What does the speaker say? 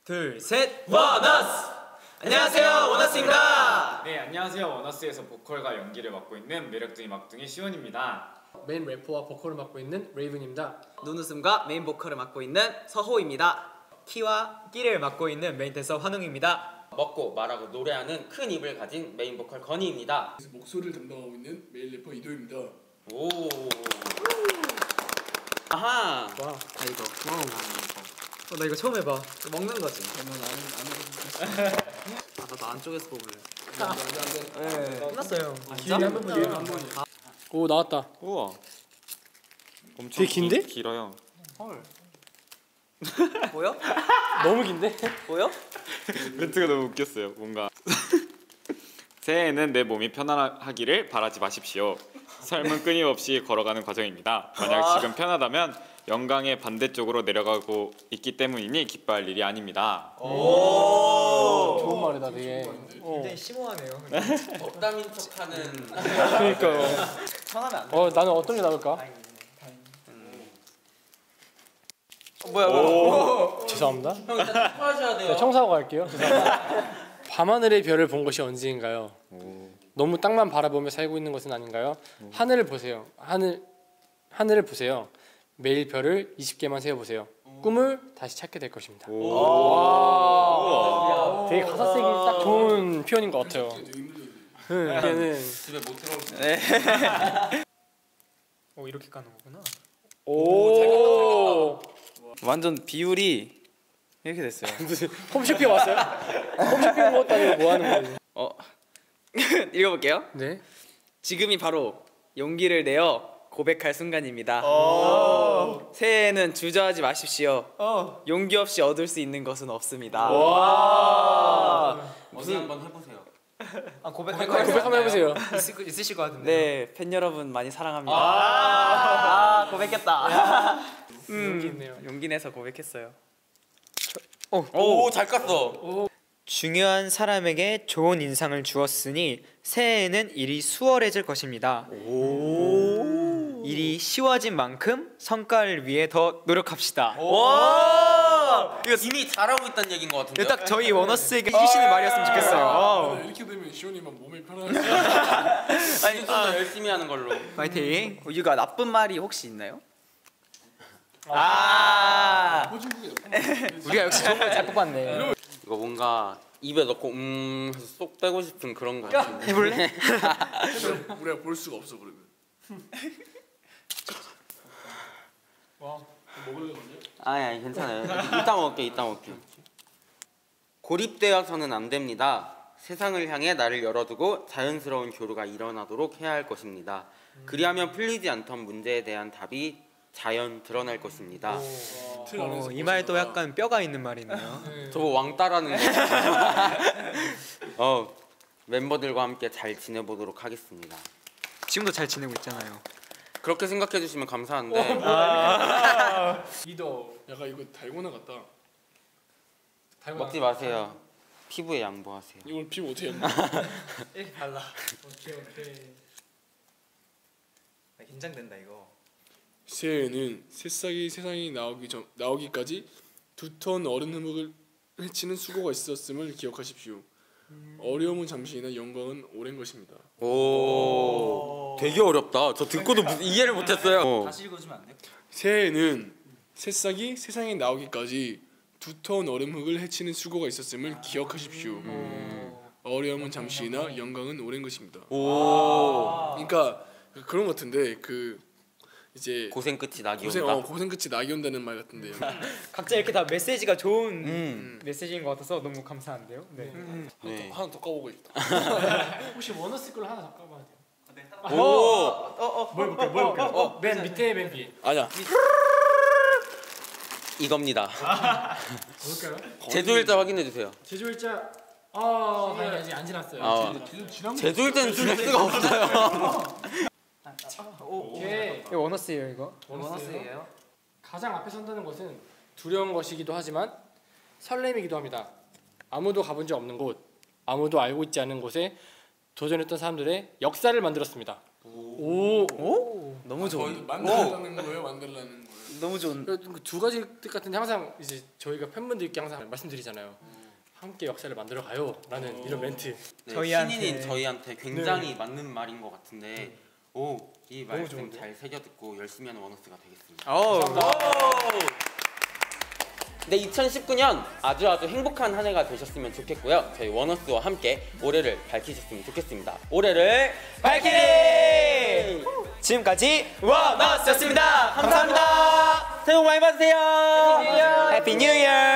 둘, 셋, 원어스! 안녕하세요, 원어스입니다. 네, 안녕하세요. 원어스에서 보컬과 연기를 맡고 있는 매력둥이 막둥이 시온입니다. 메인 래퍼와 보컬을 맡고 있는 레이븐입니다. 눈웃음과 메인 보컬을 맡고 있는 서호입니다. 키와 끼를 맡고 있는 메인 댄서 환웅입니다. 먹고 말하고 노래하는 큰 입을 가진 메인 보컬 건희입니다. 목소리를 담당하고 있는 메인 래퍼 이도입니다. 오. 아하. 와, 나 이거. 나 이거 처음 해봐. 먹는 거지. 저는 안 나도 안쪽에서 뽑을래. 네, 끝났어요. 기회 한번 볼게요. 오, 나왔다. 우와. 엄청 되게 긴데? 길어요. 헐. 보여? 너무 긴데? 보여? 멘트가 너무 웃겼어요. 뭔가 새해에는 내 몸이 편안하기를 바라지 마십시오. 삶은 끊임없이 걸어가는 과정입니다. 만약 지금 편하다면 영광의 반대쪽으로 내려가고 있기 때문이니 기뻐할 일이 아닙니다. 좋은 말이다, 되게. 굉장히 심오하네요. 덕담인 척하는. 그러니까요. 편하면 안 돼. 나는 어떤 게 나올까? 뭐야? 죄송합니다. 형 일단 투표하셔야 돼요. 네, 청소하고 갈게요. 죄송합니다. 밤하늘의 별을 본 것이 언제인가요? 너무 땅만 바라보며 살고 있는 것은 아닌가요? 하늘을 보세요. 하늘을 보세요. 매일 별을 20개만 세어보세요. 꿈을 다시 찾게 될 것입니다. 와, 되게 가사 쓰기 딱 좋은 표현인 것 같아요. 이게는 집에 못 들어오시네. 네. 오, 이렇게 까는 거구나. 오, 완전 비율이 이렇게 됐어요. 무슨 홈쇼핑 왔어요? 홈쇼핑 온 것도 아니고 뭐 하는 거예요? 읽어볼게요. 네. 지금이 바로 용기를 내어 고백할 순간입니다. 새해에는 주저하지 마십시오. 용기 없이 얻을 수 있는 것은 없습니다. 어디 한번 해보세요. 아, 고백할 고백 한번 해보세요. 있으실 것 같은데. 네, 팬 여러분 많이 사랑합니다. 아, 고백했다. 용기 있네요. 용기 내서 고백했어요. 오, 잘 깠어. 중요한 사람에게 좋은 인상을 주었으니 새해에는 일이 수월해질 것입니다. 일이 쉬워진 만큼 성과를 위해 더 노력합시다. 와! 이거 이미 잘하고 있다는 얘기인 것 같은데요? 이거 딱 저희 원어스에게 해주시는 말이었으면 좋겠어요. 이렇게 되면 시온이만 몸이 편하지. 아니, 좀 더 열심히 하는 걸로. 파이팅. 이거 나쁜 말이 혹시 있나요? 호중국에 우리가 역시 좋은 걸 잘 뽑았네. 이거 뭔가 입에 넣고 해서 쏙 빼고 싶은 그런 거 같은데. 해볼래? 우리가 볼 수가 없어 그러면. 먹을래 건데? 아니 괜찮아요. 이따 먹을게. 고립되어서는 안 됩니다. 세상을 향해 나를 열어두고 자연스러운 교류가 일어나도록 해야 할 것입니다. 그리하면 풀리지 않던 문제에 대한 답이 자연 드러날 것입니다. 이 말도 약간 뼈가 있는 말이네요. 저거 왕따라는 거. 멤버들과 함께 잘 지내보도록 하겠습니다. 지금도 잘 지내고 있잖아요. 그렇게 생각해 주시면 감사한데 이도 약간 이거 달고나 같다. 먹지 마세요. 피부에 양보하세요. 이걸 피부 어떻게 했나? 이렇게 발라. 오케이. 긴장된다 이거. 새해에는 새싹이 세상에 나오기까지 2톤 얼음 흐뭇을 헤치는 수고가 있었음을 기억하십시오. 어려움은 잠시이나 영광은 오랜 것입니다. 오, 되게 어렵다. 저 듣고도 이해를 못했어요. 다시 읽어주면 안 돼요? 새해에는 새싹이 세상에 나오기까지 2톤 얼음 흙을 헤치는 수고가 있었음을 기억하십시오. 어려움은 잠시이나 영광은 오랜 것입니다. 그러니까 그런 것 같은데 이제 고생 끝이 낙이 온다. 고생 끝이 낙이 온다는 말 같은데요. 각자 이렇게 다 메시지가 좋은 메시지인 것 같아서 너무 감사한데요. 네. 네. 하나 더 까보고 있다. 혹시 원어스 걸로 하나 더 까봐야 돼요. 뭘 볼게요. 맨 밑에 맨 뒤에. 아니야. 이겁니다. 볼까요? 제조일자 확인해 주세요. 제조일자. 다행히 아직 안 지났어요. 제조일자는 지낼 수가 없어요. 오케이. 이거 원어스예요 이거. 원어스예요. 가장 앞에 선다는 것은 두려운 것이기도 하지만 설렘이기도 합니다. 아무도 가본 적 없는 곳, 아무도 알고 있지 않은 곳에 도전했던 사람들의 역사를 만들었습니다. 너무 좋은. 만들라는 거예요? 만들라는 거예요? 너무 좋은. 두 가지 뜻 같은데 항상 이제 저희가 팬분들께 항상 말씀드리잖아요. 함께 역사를 만들어 가요라는 이런 멘트. 네, 저희한테- 신인인 저희한테 굉장히 맞는 말인 것 같은데 이 말씀 좋은데? 잘 새겨 듣고 열심히 하는 원어스가 되겠습니다. 네, 2019년 아주 행복한 한 해가 되셨으면 좋겠고요. 저희 원어스와 함께 올해를 밝히셨으면 좋겠습니다. 올해를 밝히리! 지금까지 원어스였습니다. 감사합니다. 새해 복 많이 받으세요. 해피 뉴 이어.